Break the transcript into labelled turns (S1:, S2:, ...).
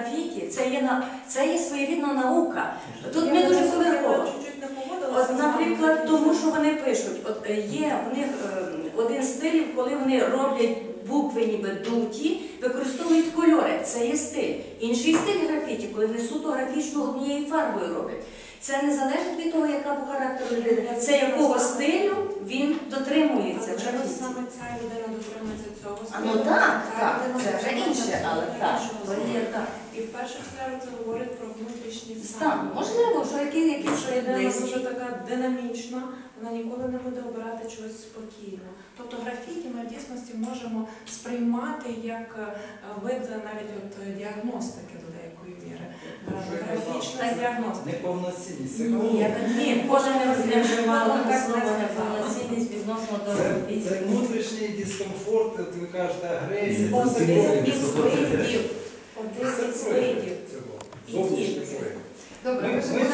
S1: графіті, це є своєрідна наука. Тут ми дуже поверхово. От, наприклад, тому що вони пишуть, от є в них один стиль, коли вони роблять букви ніби дуті, використовують кольори, це є стиль. Інший стиль графіті, коли вони суто графічно однією фарбою роблять. Це не залежить від того, яка по характеру людина, це якого стилю він дотримується.
S2: Чому саме ця людина дотримується цього стилю?
S1: Ну так, це вже інше, але так.
S2: І в першу чергу це говорить про внутрішній
S1: Стан.
S2: стан.
S1: Можливо, що якісь
S2: людина
S1: близькі.
S2: дуже така динамічна, вона ніколи не буде обирати чогось спокійно. Тобто графіті ми в дійсності можемо сприймати як вид навіть от діагностики до деякої міри. Графічна діагностика.
S3: Неповноцінність.
S1: Ні, кожен не вживала слово неповноцінність відносно до графіті.
S3: Це внутрішній дискомфорт, от ви кажете, агресія.
S1: Один із видів.
S3: Зовнішній прояв.
S4: Добре,
S3: Ми